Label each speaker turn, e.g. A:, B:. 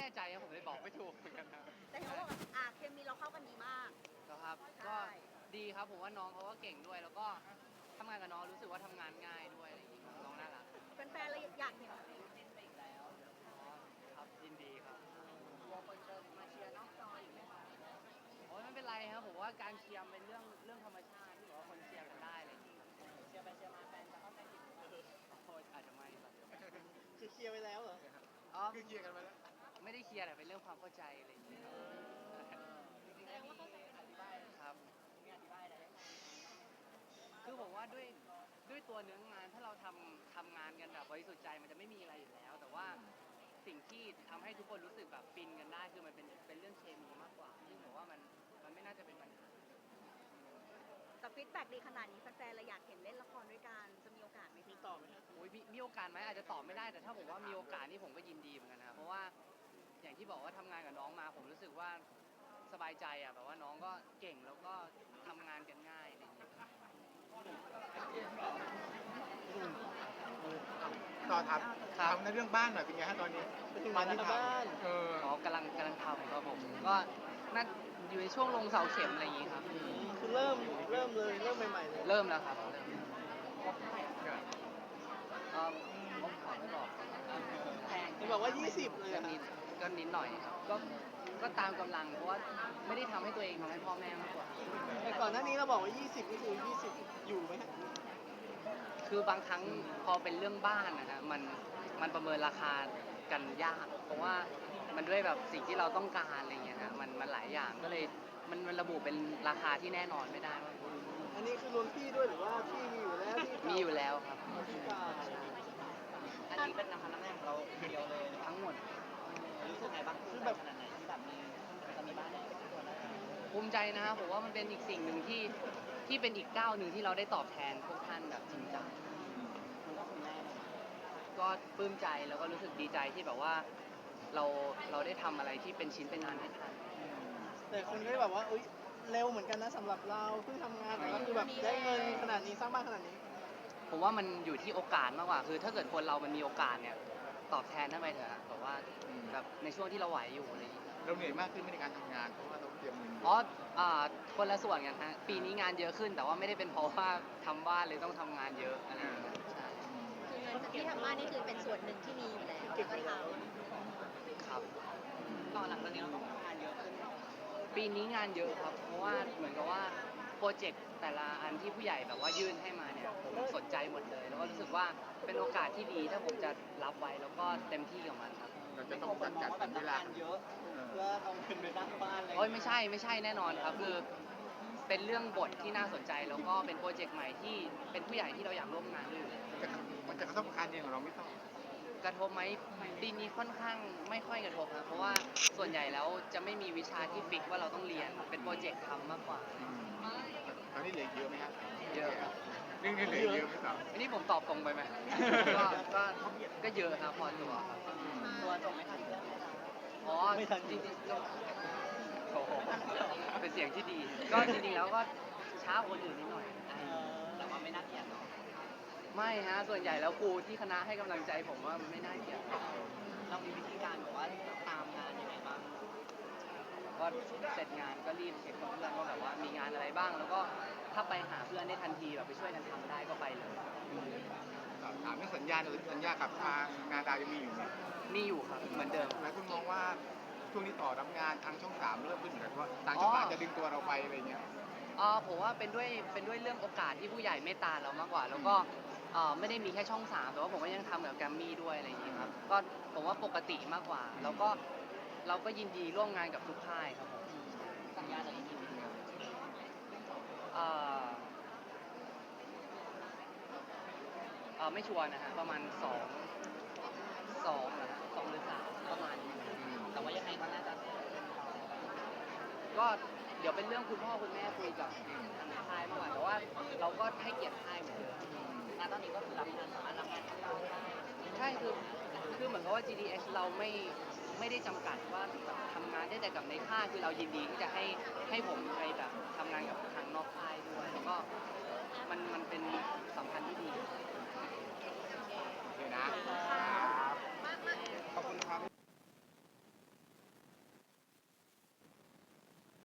A: ใจครับผมเลยบอกไม่ถูกเหมือนกันครับ
B: แต่เขาบอกว่าเคมีเราเข้ากันดีมาก
A: แล้วครับ
B: ใช่
A: ก็ดีครับผมว่าน้องเขาก็เก่งด้วย แล้วก็ทำงานกับน้องรู้สึกว่าทำงานง่ายด้วยอะไรอย่างงี้น้องน่ารัก
B: แฟนๆเลยอยากเห็น
A: อ๋อครับยินดีครับ
B: ตัวคนเดิมมาเชียร์นอกจออีกไหมคะ
A: โอ้ยไม่เป็นไรครับผมว่าการเชียร์เป็นเรื่องธรรมชาติที่แบบว่าคนเชียร์กันได้อะไรอย่างงี้เชียร์ไปเชียร์มาแฟนจะเข้าใจผิดโอ้ยอาจจะไม่ครับ
C: คือเคลียร์ไปแล้วเหรอ
A: อ๋อ
C: คือเคลียร์กันไปแล้ว
A: ไม่ได้เคลียร์แต่เป็นเรื่องความเข้าใจอะไรอย่างเงี้ย
B: แสดงว่าเข้าใจกันดี
A: ครับ
B: มีอธิบายอะไรได้ไหม
A: คือผมว่าด้วยตัวเนื้องานถ้าเราทำงานกันแบบบริสุทธิ์ใจมันจะไม่มีอะไรอยู่แล้ว แต่ว่าสิ่งที่ทำให้ทุกคนรู้สึกแบบฟินกันได้คือมันเป็นเรื่องเคมีมากกว่าซึ่งผมว่ามันไม่น่าจะเป็นปัญหา
B: แต่ฟีดแบ็กดีขนาดนี้แฟนๆเลยอยากเห็นเล่นละครด้วยกันจะมีโอกาสไหม
C: มีต่อไหมครับ
A: โอ้ยมีโอกาสไหมอาจจะตอบไม่ได้แต่ถ้าผมว่ามีโอกาสนี่ผมก็ยินดีเหมือนกันนะเพราะว่าอย่างที่บอกว่าทำงานกับน้องมาผมรู้สึกว่าสบายใจอ่ะแบบว่าน้องก็เก่งแล้วก็ทำงานกันง่ายอะไรอย่างเงี้ย
D: ต่อถาม
A: ครับ
D: ถามในเรื่องบ้านหน่อยเป็นไงฮะตอนนี้
C: บ้านที่บ้าน
A: อ๋อกำลังทำครับผมก็น่าอยู่ในช่วงลงเสาเข็มอะไรอย่างงี้ครับ
C: คือเริ่มเลยเริ่มใหม่ๆเลย
A: เริ่มแล้วครับเริ่มผมขอไม่บอก
C: แพงที่บอกว่า 20 เลย
A: ก็
C: อะ
A: นิดหน่อยครับก็ตามกำลังเพราะว่าไม่ได้ทำให้ตัวเองทำให้พ่อแม่มากกว่า
C: แต่ก่อนหน้านี้เราบอกว่า 20 นี่คือ 20 อยู่ไหมฮะ
A: คือบางครั้งพอเป็นเรื่องบ้านนะฮะมันประเมินราคากันยาก เพราะว่ามันด้วยแบบสิ่งที่เราต้องการอะไรเงี้ยฮะมันหลายอย่างก็เลยมันระบุเป็นราคาที่แน่นอนไม่ได้ว่า
C: อันนี้คือรวมที่ด้วยหรือว่าที่มีอยู่แล้วที่
A: มีอยู่แล้วครับ
C: ที่เก่า
E: อันนี้เป็นน้ำพันน้ำแรงของเราเดียวเลย
A: ทั้งหมด
E: รู้สึกไงบ้างคือแบบขนาดไหนที่แบบจะมีบ้านในตัวเรา
A: ภูมิใจนะครับผมว่ามันเป็นอีกสิ่งหนึ่งที่เป็นอีกก้าวหนึ่งที่เราได้ตอบแทนพวกท่านแบบจริงจัง
E: คุณพ่อคุณแม่
A: ก็ปลื้มใจแล้วก็รู้สึกดีใจที่แบบว่าเราได้ทำอะไรที่เป็นชิ้นเป็นอันให้ท่าน
C: แต่คนก็แบบว่าเอ้ยเร็วเหมือนกันนะสำหรับเราเพิ่งทำงานแต่ก็คือแบบได้เงินขนาดนี้สร้างบ้านขนาดนี้
A: ผมว่ามันอยู่ที่โอกาสมากกว่าคือถ้าเกิดคนเรามันมีโอกาสเนี่ยตอบแทนท่านไปเถอะแบบว่าแบบในช่วงที่เราไหวอยู่อะไรอย่างเงี้ย
D: เราเหนื่อยมากขึ้นในการทำงานเพราะว่าเราเตรียมเงิน
A: อ๋อคนละส่วนกันฮะปีนี้งานเยอะขึ้นแต่ว่าไม่ได้เป็นเพราะว่าทำบ้านเลยต้องทำงานเยอะอะไรอย่างเงี้ยใช่
B: คือเงินที่ทำบ้านนี่คือเป็นส่วนหนึ่งที่มีอยู่แล้วแล้วก็ท
A: ครับ
E: ตอนหลังตอนนี้เราต้องทำงานเยอะขึ้น
A: ปีนี้งานเยอะครับ เพราะว่าเหมือนกับว่าโปรเจกต์แต่ละอันที่ผู้ใหญ่แบบว่ายื่นให้มาเนี่ยผมสนใจหมดเลย แล้วก็รู้สึกว่าเป็นโอกาสที่ดีถ้าผมจะรับไว้แล้วก็เต็มที่กับมันครับ
D: เราจะ
E: ไม่
D: ต้
E: ต้
D: อ
E: อง ง
D: จัด
E: มอง
D: จัด
E: ว่า
D: ส
E: แบ
D: ร
E: บ
D: รเวลาง
E: ทำานเยอะเพื่อเอาเงินไปสร้างบ้านอะไร
A: โอ้ยไม่ใช่แน่นอนครับคือเป็นเรื่องบทที่น่าสนใจแล้วก็เป็นโปรเจกต์ใหม่ที่เป็นผู้ใหญ่ที่เราอยากร่วมงานด้วยอยู่แล้ว
D: มันจะกระทบกับการเรียนของเราไม่ต้อง
A: กระทบไหมปีนี้ค่อนข้างไม่ค่อยกระทบครับเพราะว่าส่วนใหญ่แล้วจะไม่มีวิชาที่ฟิกว่าเราต้องเรียนเป็นโปรเจกต์ทำมากกว่า
D: ตอนนี้เหลือเยอะไหมครับ
A: เยอะครับ
D: เรื่องนี้เหลือเยอะไหมครับ
A: อันนี้ผมตอบตรงไปไหม ก็เยอะครับพอตัวครับ
E: ตัวจบไม่ทันเพื่อนไหมคะ
A: อ๋อจริงๆก็โอ้โหเป็นเสียงที่ดี ก็จริงๆแล้วก็ช้ากว่าคนอื่นนิดหน่อย
E: แต่ว่าไม่น่าเกลียดเนาะ
A: ไม่ฮะส่วนใหญ่แล้วครูที่คณะให้กำลังใจผมว่ามันไม่น่าเกลียด
E: เรามีวิธีการแบบว่าตามงานยังไงบ้าง
A: ก็เสร็จงานก็รีบเช็คกับเพื่อนว่าแบบว่ามีงานอะไรบ้าง แล้วก็ถ้าไปหาเพื่อนได้ทันทีแบบไปช่วยกันทำได้ก็ไปเลย
D: ถามเรื่องสัญญาหรือสัญญากับทางนาดาวยังมีอยู่ไหม
A: มีอยู่ครับเหมือนเดิม
D: หลายคนมองว่าช่วงนี้ต่อรับงานทางช่องสามเริ่มขึ้นเหมือนกันว่าทางช่องสามจะดึงตัวเราไปอะไรเงี้ย
A: ผมว่าเป็นด้วยเรื่องโอกาสที่ผู้ใหญ่เมตตาเรามากกว่า แล้วก็ไม่ได้มีแค่ช่องสามแต่ว่าผมก็ยังทำกับแกรมมี่ด้วยอะไรอย่างนี้ครับก็ผมว่าปกติมากกว่าแล้วก็เราก็ยินดีร่วมงานกับทุกค่ายครับผม
E: สัญญาจะได้กี่ปีครับ
A: ไม่ชัวร์นะฮะประมาณ2นะฮะ2หรือ3ประมาณนี้
E: แต่ว่ายังไงก็น่าจะ
A: ก็เดี๋ยวเป็นเรื่องคุณพ่อคุณแม่คุยกับทางค่ายมากกว่าแต่ว่าเราก็ให้เกียรติค่ายเหมือนเดิม
E: ณตอนนี้ก็คือรับงานสามารถรับงานที่เราได้
A: ใช่คือเหมือนกับว่า GDS เราไม่ได้จำกัดว่าแบบทำงานได้แต่กับในค่ายคือเรายินดีที่จะให้ผมไปแบบทำงานกับทางนอกค่ายด้วยแล้วก็มันเป็นสัมพันธ์ที่ดี
D: โอเคนะ